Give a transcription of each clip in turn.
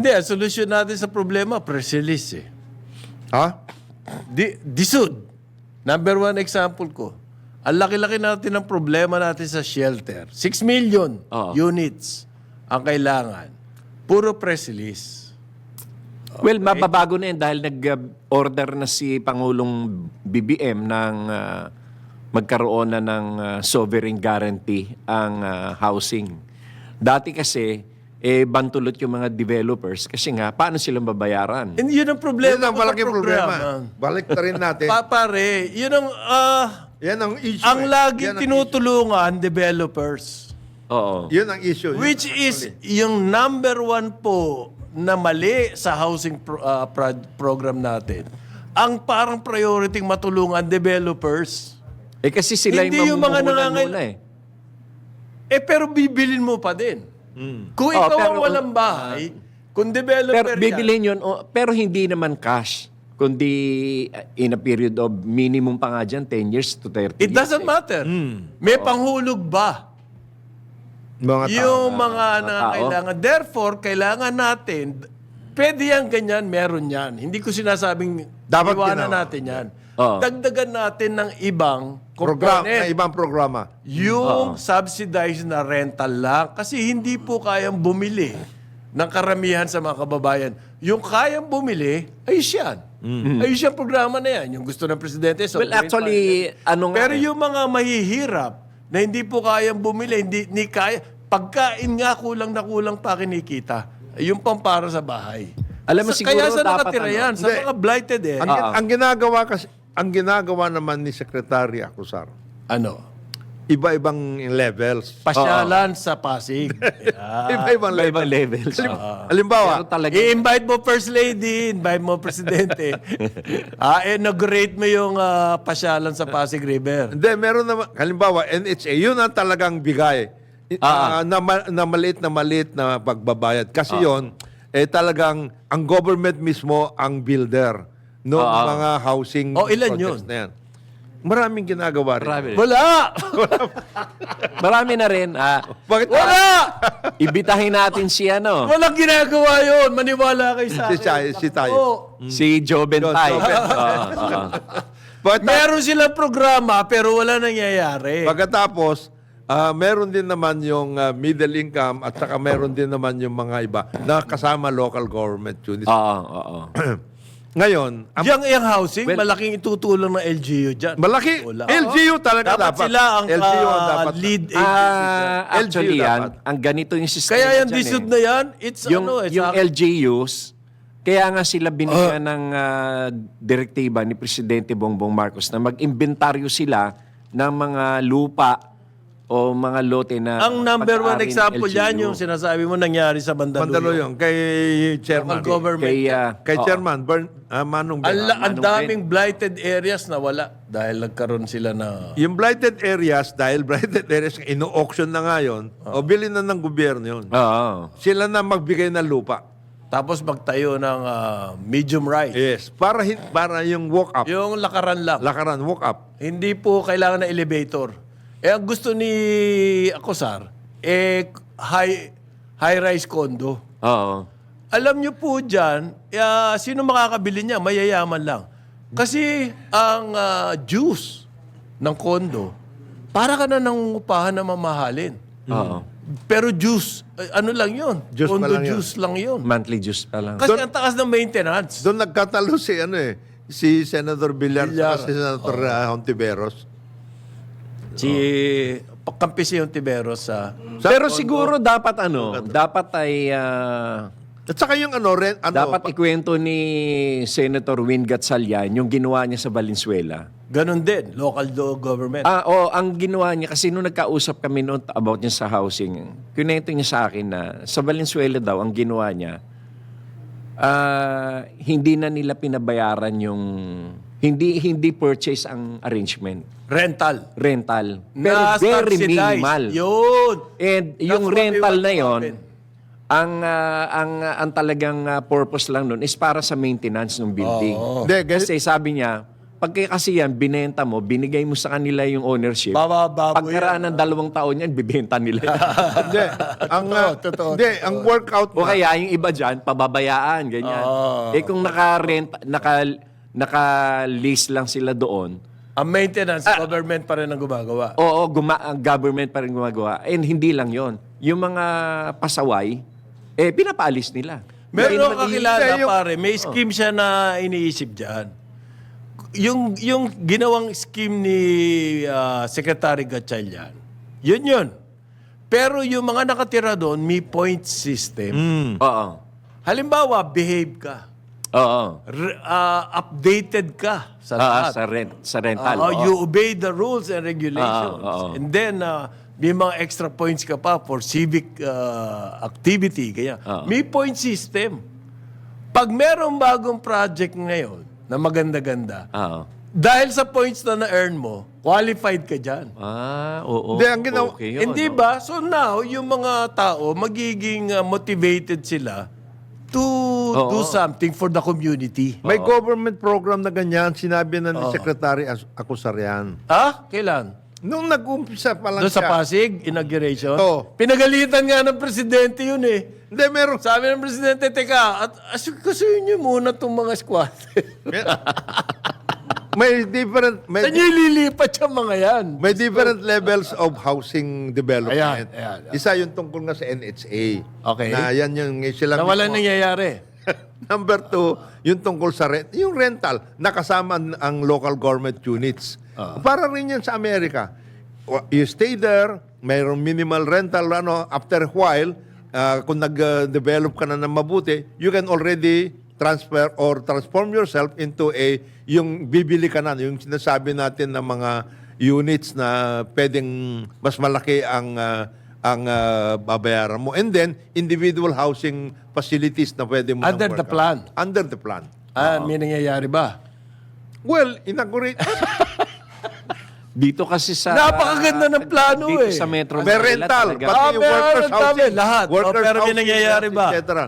Hindi, ang solusyon natin sa problema, press release eh. Ha? Disud. Number one example ko. Ang laki-laki natin ng problema natin sa shelter. 6 million units ang kailangan. Puro press release. Well, mababago na yan dahil nag-order na si Pangulong BBM ng magkaroon na ng sovereign guarantee ang housing. Dati kasi, bantulot yung mga developers kasi nga, paano silang babayaran? And yun ang problema. Yan ang ko sa malaking problema. programa. Balik na rin natin. Pare, yun ang... Yan ang issue. ang eh. laging Yan ang tinutulungan, developers. Oo. issue. Yun ang issue. Yun Which ang is yung number one po na mali sa housing program natin. Ang parang priority matulungan developers. Kasi sila Hindi yung mga mamumuhunan muna pero bibilin mo pa din. Kung ikaw ang pero- walang bahay, kung developer Pero bibilhin yun, pero hindi naman cash. Kundi in a period of minimum pa nga dyan, 10 years to 30 it years. doesn't matter. May panghulog ba? Mga tao. Yung mga tao. nangangailangan. Therefore, kailangan natin, pwede yan, ganyan, meron yan. Hindi ko sinasabing Dapat iwanan ginawa. natin yan. Oo. Dagdagan natin ng ibang Program, na component. ibang programa. Yung subsidized na rental lang. Kasi hindi po kayang bumili ng karamihan sa mga kababayan. Yung kayang bumili, ayos yan. Ayos yung programa na yan. Yung gusto ng presidente. Well, actually, ano nga Pero yung mga mahihirap na hindi po kayang bumili, hindi kaya, pagkain nga kulang na kulang pa kinikita. Yung pang para sa bahay. Alam mo, siguro kaya sa dapat nakatira yan, sa Hindi. mga blighted Ang ginagawa kasi, ang ginagawa naman ni Secretary Acosar, ano? iba-ibang levels. Pasyalan sa Pasig. Iba-ibang levels. Iba-ibang levels. Halimbawa, Pero talaga, I-invite mo First Lady, invite mo Presidente. Inaugurate mo yung pasyalan sa Pasig River. hindi, meron naman, halimbawa, NHA, yun ang talagang bigay. Na maliit na pagbabayad. Kasi yon talagang ang government mismo ang builder ng mga housing ilan projects yun? na yan. Maraming ginagawa rin. marami, Wala! marami na rin. Bakit? Wala! Ibitahin natin si ano, Walang ginagawa yun. Maniwala kayo sa Si akin. si tayo. Oo. si Joe Bentay. Joe Bentay. Bakit- Meron silang programa pero wala nangyayari. Pagkatapos, meron din naman yung middle income at saka meron din naman yung mga iba na kasama local government units. Oo. Ngayon, Yung housing, Well, malaking itutulong ng LGU dyan. malaki. Wala. LGU talaga dapat. Dapat sila ang LGU ang dapat. lead agency dyan. Actually LGU yan, dapat. ang ganito yung system. Kaya yung dyan disod na yan, it's yung, ano, it's yung LGUs, kaya nga sila binigyan ng direktiba ni Presidente Bongbong Marcos na mag-inventaryo sila ng mga lupa o mga lote na ang number one pag-aaring example LGU. yan, yung sinasabi mo nangyari sa Mandaluyong. Mandaluyong, kay Chairman. Ang government. Kay Chairman, Manong Bernal. Ang daming blighted areas na wala dahil nagkaroon sila na... Yung blighted areas, dahil blighted areas, ino-auction na nga yun, o bilhin na ng gobyerno yun. Oo. Sila na magbigay ng lupa. Tapos magtayo ng medium rise. Yes. Para yung walk-up. Yung lakaran lang. Lakaran, walk-up. Hindi po kailangan ng elevator. Ang gusto ni Acosar, high-rise condo. Oo. Alam nyo po dyan, sino makakabili niya? Mayayaman lang. Kasi ang juice ng condo, para ka na nangungupahan na mamahalin. Oo. Pero juice, ano lang yun? Juice pa condo lang yun. juice lang yun. Monthly dues pa lang. Kasi ang takas ng maintenance. Doon nagkatalo si Senator Villar Villar. at si Senator Hontiveros. Si Pagkampisi yung Tiberos sa... Pero siguro dapat dapat ay At saka yung dapat ikwento ni Senator Win Gatchalian yung ginawa niya sa Valenzuela. Ganon din, local government. Ang ginawa niya, kasi nung nagkausap kami noon about niya sa housing, kinento niya sa akin na sa Valenzuela daw, ang ginawa niya, hindi na nila pinabayaran yung, hindi purchase ang arrangement. Rental. Pero Na very subsidized. minimal. Yun. And yung what we rental want na to yon, happen. ang talagang purpose lang nun is para sa maintenance ng building. Hindi, Kasi sabi niya, pagka kasi yan, binenta mo, binigay mo sa kanila yung ownership. Bababo Pagkaraan ng 2 taon yan, bibenta nila. Hindi. Ang, Totoo. Hindi, ang workout O kaya yung iba dyan, pababayaan, ganyan. Eh kung naka-lease lang sila doon, Ang maintenance, government pa rin ang gumagawa. oo, ang government pa rin gumagawa. And hindi lang yon. Yung mga pasaway, pinapaalis nila. Meron Yung akong kakilala, yung- pare. May scheme siya na iniisip dyan. Yung ginawang scheme ni Secretary Gatchalian, yun. Pero yung mga nakatira doon, may point system. Oo. Halimbawa, behave ka. Oo. Updated ka sa lahat. Sa rental. You obey the rules and regulations. Oo. And then, may mga extra points ka pa for civic activity. Kaya, may point system. Pag merong bagong project ngayon na maganda-ganda, Oo. dahil sa points na na-earn mo, qualified ka dyan. Oo. Hindi, ang ginawa- Okay yun, Hindi no? ba? So now, yung mga tao, magiging motivated sila to do something for the community. May government program na ganyan, sinabi na ni Secretary Acusarian. Kailan? Nung nag-umpisa pa lang Doon sa siya. Pasig, inauguration? Oo. Pinagalitan nga ng presidente yun eh. Hindi, meron. Sabi ng presidente, teka, asikasuhin niyo muna itong mga squatter. May different, Saan niyo ililipat yung mga yan? may different levels of housing development. Ayan. Isa yung tungkol nga sa NHA. Okay. Na yan yung sila Na wala mismo. nangyayari. Number 2, yung tungkol sa yung rental, nakasama ang local government units. Para rin yan sa Amerika. You stay there, mayroong minimal rental, after a while, kung nag-develop ka na ng mabuti, you can already transfer or transform yourself into yung bibili ka na, yung sinasabi natin ng mga units na pwedeng mas malaki ang babayaran mo. And then, individual housing facilities na pwede mo Under nang the work plan. out. Under the plan. May nangyayari ba? Well, inaugurate. Dito kasi sa... Napakaganda ng plano dito eh. sa Metro May Manila rental. talaga. Pati yung meron workers' dami, housing. lahat. Workers' Pero may housing, nangyayari ba? et cetera.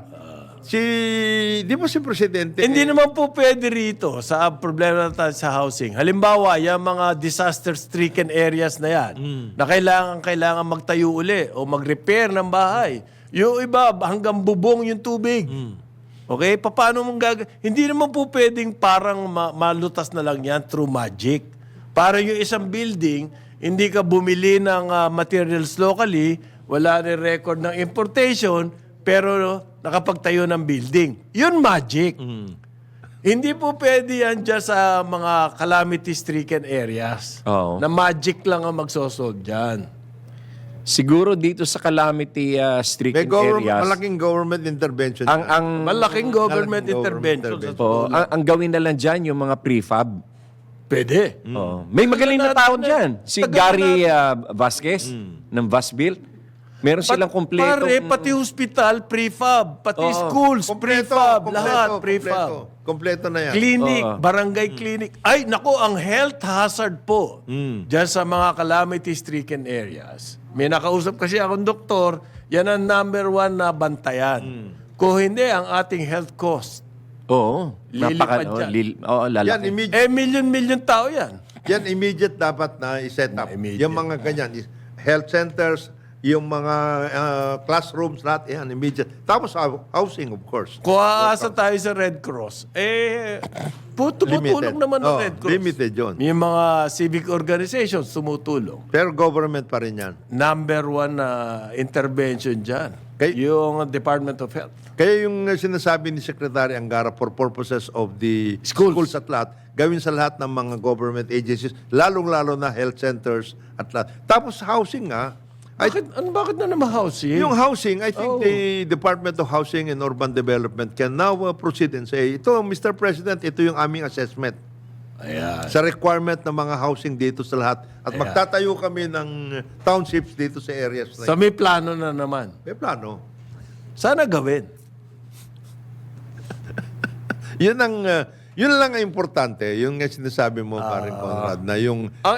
Di ba si Presidente? Hindi naman po pwede rito sa problema natin sa housing. Halimbawa, yung mga disaster-stricken areas na yan, na kailangan magtayo uli o mag-repair ng bahay. Yung iba, hanggang bubong yung tubig. Okay? Paano mong Hindi naman po pwedeng parang malutas na lang yan through magic. Para yung isang building, hindi ka bumili ng materials locally, wala rin record ng importation, pero nakapagtayo ng building. Yun magic. Hindi po pwede yan dyan sa mga calamity-stricken areas. Oo. Na magic lang ang magsosolve dyan. Siguro dito sa calamity May stricken areas, malaking government intervention. Malaking government intervention. ang gawin na lang dyan yung mga prefab. Pwede. Oo. May magaling na tao dyan. Si Gary Vasquez ng Vasbuilt. Meron silang kompleto. Pare, pati hospital, prefab. Pati schools, prefab. Lahat, prefab. Kompleto na yan. Clinic, barangay clinic. Ay, nako, ang health hazard po dyan sa mga calamity-stricken areas. May nakausap kasi akong doktor, yan ang number 1 na bantayan. Kung hindi, ang ating health cost. Oo. Lilipad dyan. Lalaki. Yan, immediate, Million tao yan. yan immediate dapat na i-set up. Immediate. Yung mga ganyan, health centers, yung mga classrooms, lahat, yan, immediate. Tapos housing, of course. Kung aasa tayo sa Red Cross, tumutulong Limited. naman ng Oh, Red Cross. limited yun. May mga civic organizations tumutulong. Pero government pa rin yan. Number 1 na intervention dyan, yung Department of Health. Kaya yung sinasabi ni Secretary Angara for purposes of the schools at lahat, gawin sa lahat ng mga government agencies, lalong-lalo na health centers at lahat. Tapos housing Bakit na naman housing? yung housing, I think the Department of Housing and Urban Development can now proceed and say, ito, Mr. President, ito yung aming assessment Ayan. sa requirement ng mga housing dito sa lahat. At magtatayo kami ng townships dito sa areas na So may plano na naman. may plano. Sana gawin. Yun lang ang importante, yung sinasabi mo, paring Conrad, na yung